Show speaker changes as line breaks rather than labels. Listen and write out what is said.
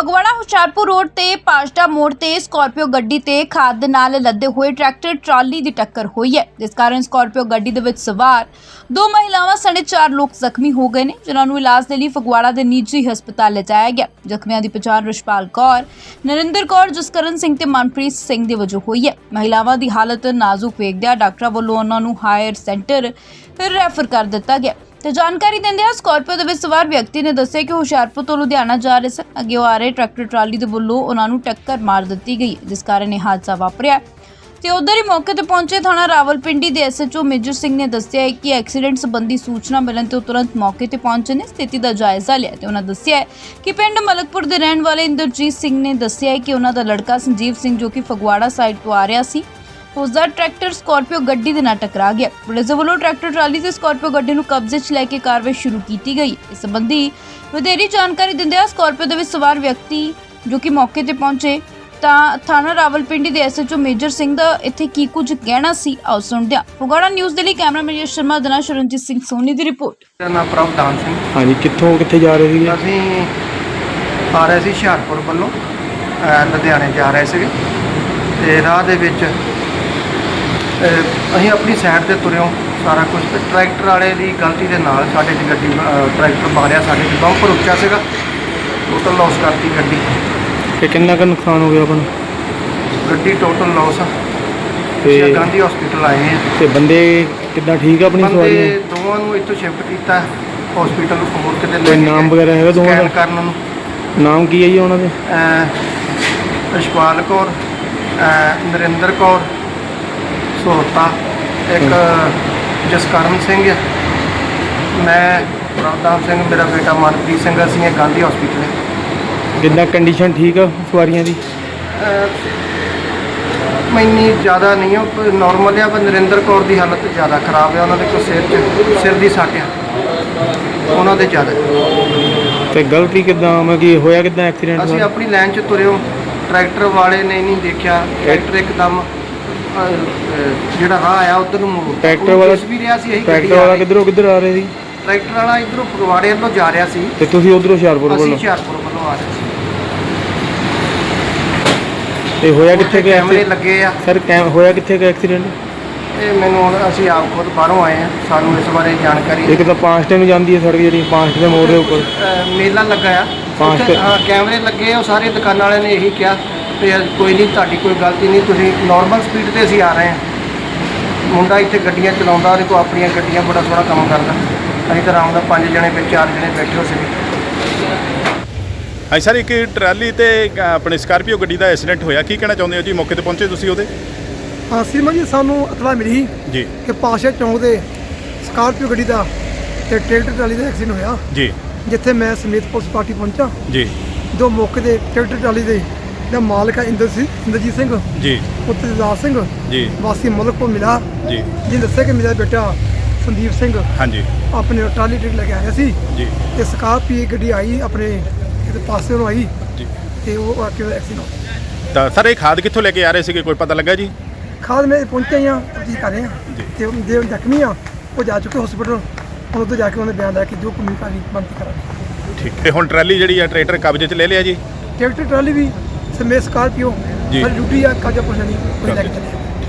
Phagwara Hoshiarpur road ते पाजटा मोड़ ते स्कॉर्पियो गड्डी ते खाद दे नाल लदे हुए ट्रैक्टर ट्राली दी टक्कर हुई है, जिस कारण स्कॉर्पियो गड्डी दे विच सवार दो महिलावां सने 4 लोग जख्मी हो गए ने, जिन्हां नूं इलाज दे लई फगवाड़ा दे निजी हस्पताल लिजाया गया। जख्मियां दी पछाण रिशपाल कौर, नरिंदर कौर, जसकरण सिंह ते मनप्रीत सिंह दे वजों हुई है। महिलावां दी हालत नाजुक वेखदिआं डॉक्टरां वल्लों उन्हां नूं हायर सेंटर रैफर कर दित्ता गया। तो जानकारी देंदे स्कॉर्पियो दे विच सवार व्यक्ति ने दस्सिया कि हुशियारपुर तो लुधियाना जा रहे सन, अगे आ रहे ट्रैक्टर ट्राली दे वल्लों उन्हां नूं टक्कर मार दित्ती गई, जिस कारण यह हादसा वापरिया। ते उधर ही मौके ते पहुंचे थाणा रावलपिंडी दे SHO मेजर सिंह ने दस्सिया है कि एक्सीडेंट संबंधी सूचना मिलण ते तुरंत मौके ते पहुंचे ने स्थिति का जायजा लिया। ते उन्हां दस्सिया है कि पिंड मलकपुर दे रहण वाले इंद्रजीत सिंह ने दस्सिया है कि उन्हां दा लड़का संजीव सिंह जो कि फगवाड़ा साइड तो आ रहा सी, उसका ट्रैक्टर स्कॉर्पियो गड्डी दे नाल टकरा गया। पुलिस दे वल्लों ट्रैक्टर ट्राली ते स्कॉर्पियो गड्डी नूं कब्जे 'च लैके कार्रवाई शुरू की गई। इस संबंधी वधेरी जानकारी दिंदे स्कॉर्पियो दे विच सवार व्यक्ति जो कि मौके ते पहुंचे ਤਾਂ थाना रावलपिंडी ਦੇ SHO ਮੇਜਰ ਸਿੰਘ ਦਾ ਇੱਥੇ ਕੀ ਕੁਝ ਕਹਿਣਾ ਸੀ, ਆਓ ਸੁਣਦੇ ਹਾਂ। ਫਗਵਾੜਾ ਨਿਊਜ਼ ਦੇ ਲਈ ਕੈਮਰਾਮੈਨ ਯਸ਼ ਸ਼ਰਮਾ ਦੇ ਨਾਲ ਸ਼ਰਨਜੀਤ ਸਿੰਘ ਸੋਨੀ ਦੀ ਰਿਪੋਰਟ।
ਮੇਰਾ ਨਾਮ ਪ੍ਰਭਦਾਨ ਸਿੰਘ।
ਹਾਂਜੀ, ਕਿੱਥੇ ਜਾ ਰਹੇ ਸੀਗੇ?
ਅਸੀਂ ਆ ਰਹੇ ਸੀ ਹੁਸ਼ਿਆਰਪੁਰ ਵੱਲੋਂ ਲੁਧਿਆਣੇ ਜਾ ਰਹੇ ਸੀਗੇ ਤੇ ਰਾਹ ਦੇ ਵਿੱਚ ਅਸੀਂ ਆਪਣੀ ਸਾਈਡ ਤੇ ਤੁਰਿਓ ਸਾਰਾ ਕੁਝ, ਤੇ ਟਰੈਕਟਰ ਵਾਲੇ ਦੀ ਗਲਤੀ ਦੇ ਨਾਲ ਸਾਡੇ ਦੀ ਗੱਡੀ ਟਰੈਕਟਰ ਮਾਰਿਆ, ਸਾਡੇ ਦੀ ਬੰਪਰ ਉੱਚਾ ਸੀਗਾ, ਟੋਟਲ ਲਾਸ ਕਰਤੀ ਗੱਡੀ।
ਤੇ ਕਿੰਨਾ ਕੁ ਨੁਕਸਾਨ ਹੋ ਗਿਆ ਆਪਣਾ?
ਗੱਡੀ ਟੋਟਲ ਲਾਸ ਆ
ਤੇ
ਗਾਂਧੀ ਹਸਪੀਟਲ ਆਏ ਆ।
ਤੇ ਬੰਦੇ ਕਿੱਦਾਂ ਠੀਕ ਆ? ਆਪਣੀ ਸਵਾਰੀਆਂ
ਬੰਦੇ ਦੋਵਾਂ ਨੂੰ ਇੱਥੋਂ ਸ਼ਿਫਟ ਕੀਤਾ ਹਸਪੀਟਲ ਹੋਰ ਕਿਤੇ
ਕੋਈ ਨਾਮ ਵਗੈਰਾ ਹੈਗਾ ਦੋਵਾਂ ਦਾ?
ਕਰਨ ਨੂੰ
ਨਾਮ ਕੀ ਹੈ ਜੀ ਉਹਨਾਂ ਦੇ?
ਰਿਸ਼ਪਾਲ ਕੌਰ, ਨਰਿੰਦਰ ਕੌਰ ਸੋਹਤਾ, ਇੱਕ ਜਸਕਰਨ ਸਿੰਘ ਹੈ, ਮੈਂ ਪ੍ਰਭਦਾਨ ਸਿੰਘ, ਮੇਰਾ ਬੇਟਾ ਮਨਪ੍ਰੀਤ ਸਿੰਘ। ਅਸੀਂ ਇਹ ਗਾਂਧੀ ਹਸਪੀਟਲ।
ਕਿੰਨਾ ਕੰਡੀਸ਼ਨ ਠੀਕ ਆ ਸਵਾਰੀਆਂ ਦੀ?
ਇੰਨੀ ਜ਼ਿਆਦਾ ਨਹੀਂ ਆ, ਨੋਰਮਲ ਆ, ਪਰ ਨਰਿੰਦਰ ਕੌਰ ਦੀ ਹਾਲਤ ਜ਼ਿਆਦਾ ਖਰਾਬ ਆ। ਉਹਨਾਂ ਦੇ ਕੋਈ ਸਿਰ ਦੀ ਸੱਟ ਆ, ਉਹਨਾਂ ਦੇ ਜ਼ਿਆਦਾ।
ਤੇ ਗਲਤੀ ਕਿੱਦਾਂ ਕਿ ਹੋਇਆ ਕਿੱਦਾਂ ਐਕਸੀਡੈਂਟ?
ਅਸੀਂ ਆਪਣੀ ਲਾਈਨ 'ਚ ਤੁਰਿਓ, ਟਰੈਕਟਰ ਵਾਲੇ ਨੇ ਨਹੀਂ ਦੇਖਿਆ, ਟਰੈਕਟਰ ਇੱਕਦਮ ਜਿਹੜਾ ਰਾਹ ਆਇਆ ਉਧਰ ਨੂੰ ਮੋੜ।
ਟਰੈਕਟਰ ਵਾਲਾ
ਵੀ ਰਿਹਾ ਸੀ, ਇਹੀ
ਟਰੈਕਟਰ ਵਾਲਾ ਕਿੱਧਰ ਆ ਰਹੇ ਸੀ?
ਟਰੈਕਟਰ ਵਾਲਾ ਇੱਧਰੋਂ ਫਗਵਾੜੇ ਵੱਲੋਂ ਜਾ ਰਿਹਾ ਸੀ
ਤੇ ਤੁਸੀਂ ਉਧਰੋਂ ਹੁਸ਼ਿਆਰਪੁਰ ਵੱਲੋਂ?
ਅਸੀਂ ਹੁਸ਼ਿਆਰਪੁਰ ਵੱਲੋਂ ਆ ਰਹੇ ਸੀ।
ਤੇ ਹੋਇਆ ਕਿੱਥੇ ਗਿਆ?
ਕੈਮਰੇ ਲੱਗੇ ਆ
ਸਰ, ਹੋਇਆ ਕਿੱਥੇ ਗਿਆ ਐਕਸੀਡੈਂਟ?
ਇਹ ਮੈਨੂੰ ਅਸੀਂ ਆਪ ਖੁਦ ਬਾਹਰੋਂ ਆਏ ਆ, ਸਾਨੂੰ ਇਸ ਬਾਰੇ ਜਾਣਕਾਰੀ।
ਇੱਕ ਤਾਂ ਪਾਂਸਟੇ ਨੂੰ ਜਾਂਦੀ ਹੈ ਸੜਕ, ਜਿਹੜੀ ਪਾਂਸਟੇ ਦੇ ਮੋੜ ਦੇ ਉੱਪਰ
ਮੇਲਾ ਲੱਗਾ ਆ, ਹਾਂ ਕੈਮਰੇ ਲੱਗੇ ਆ। ਉਹ ਸਾਰੇ ਦੁਕਾਨਾਂ ਵਾਲਿਆਂ ਨੇ ਇਹੀ ਕਿਹਾ ਵੀ ਕੋਈ ਨਹੀਂ, ਤੁਹਾਡੀ ਕੋਈ ਗਲਤੀ ਨਹੀਂ, ਤੁਸੀਂ ਨਾਰਮਲ ਸਪੀਡ ਤੇ ਅਸੀਂ ਆ ਰਹੇ ਹਾਂ। ਮੁੰਡਾ ਇੱਥੇ ਗੱਡੀਆਂ ਚਲਾਉਂਦਾ, ਉਹਦੇ ਕੋਲ ਆਪਣੀਆਂ ਗੱਡੀਆਂ, ਬੜਾ ਸੋਹਣਾ ਕੰਮ ਕਰਦਾ। ਅਸੀਂ ਤਾਂ ਆਰਾਮ ਨਾਲ 5 ਜਣੇ ਵਿੱਚ 4 ਜਣੇ ਬੈਠੇ ਹੋ ਸੀ।
ਹਾਂਜੀ ਸਰ, ਇੱਕ ਟਰਾਲੀ ਤੇ ਆਪਣੇ ਸਕਾਰਪੀਓ ਗੱਡੀ ਦਾ ਐਕਸੀਡੈਂਟ ਹੋਇਆ, ਕੀ ਕਹਿਣਾ ਚਾਹੁੰਦੇ ਹੋ ਜੀ? ਮੌਕੇ ਤੇ ਪਹੁੰਚੇ ਤੁਸੀਂ ਉਹਦੇ?
ਹਾਂ ਸੀਮਾ ਜੀ, ਸਾਨੂੰ ਇਤਲਾ ਮਿਲੀ
ਜੀ
ਕਿ ਪਾਸ਼ਾ ਚੌਂਕ ਦੇ ਸਕਾਰਪੀਓ ਗੱਡੀ ਦਾ ਤੇ ਟਰੈਕਟਰ ਟਰਾਲੀ ਦਾ ਐਕਸੀਡੈਂਟ ਹੋਇਆ,
ਜੀ
ਜਿੱਥੇ ਮੈਂ ਸਮੇਤ ਪੁਲਿਸ ਪਾਰਟੀ ਪਹੁੰਚਾ।
ਜੀ
ਦੋ ਮੌਕੇ ਦੇ ਟਰੈਕਟਰ ਟਰਾਲੀ ਦੇ ਦਾ ਮਾਲਕ ਹੈ ਇੰਦਰਜੀਤ ਸਿੰਘ,
ਜੀ
ਪੁੱਤਰ ਦਾਸ ਸਿੰਘ,
ਜੀ
ਵਾਸੀ ਮਲਕਪੁਰ ਮਿਲਾ,
ਜੀ
ਜਿਹਨੇ ਦੱਸਿਆ ਕਿ ਮੇਰਾ ਬੇਟਾ ਸੰਦੀਪ ਸਿੰਘ
ਹਾਂਜੀ
ਆਪਣੇ ਟਰਾਲੀ ਟਰੈਕ ਲੈ ਕੇ ਆ ਰਿਹਾ ਸੀ
ਜੀ
ਤੇ ਸਕਾਰਪੀਓ ਗੱਡੀ ਆਈ ਆਪਣੇ ਇਹਦੇ ਪਾਸੇ ਨੂੰ ਆਈ
ਜੀ
ਤੇ ਉਹ ਆ ਕੇ ਐਕਸੀਡੈਂਟ ਹੋ ਗਿਆ।
ਤਾਂ ਸਰ, ਇਹ ਖਾਦ ਕਿੱਥੋਂ ਲੈ ਕੇ ਆ ਰਹੇ ਸੀਗੇ, ਕੋਈ ਪਤਾ ਲੱਗਾ ਜੀ?
ਖਾਦ ਮੈਂ ਪਹੁੰਚੇ ਹਾਂ, ਤਫਤੀਸ਼ ਕਰ ਰਹੇ ਹਾਂ ਤੇ ਜੇ ਜ਼ਖਮੀ ਆ ਉਹ ਜਾ ਚੁੱਕੇ ਹਸਪੀਟਲ। ਹੁਣ ਉੱਧਰ ਜਾ ਕੇ ਉਹਨੇ ਬਿਆਨ ਲੈ ਕੇ ਜੋ ਕਾਨੂੰਨੀ ਕਾਰਵਾਈ ਬਣਦੀ ਕਰਾਂਗੇ।
ਠੀਕ। ਤੇ ਹੁਣ ਟਰਾਲੀ ਜਿਹੜੀ ਆ ਟਰੈਕਟਰ ਕਬਜ਼ੇ 'ਚ ਲੈ ਲਿਆ ਜੀ?
ਟਰੈਕਟਰ ਟਰਾਲੀ ਵੀ ਸਮੇਤ ਸਕਾਰਪੀਓ
ਜੀ
ਡਿਊਟੀ ਆ, ਕਾਜਾ ਪੁਲਿਸ ਨਹੀਂ ਕੋਈ ਲੈ ਕੇ ਚੱਲੇ।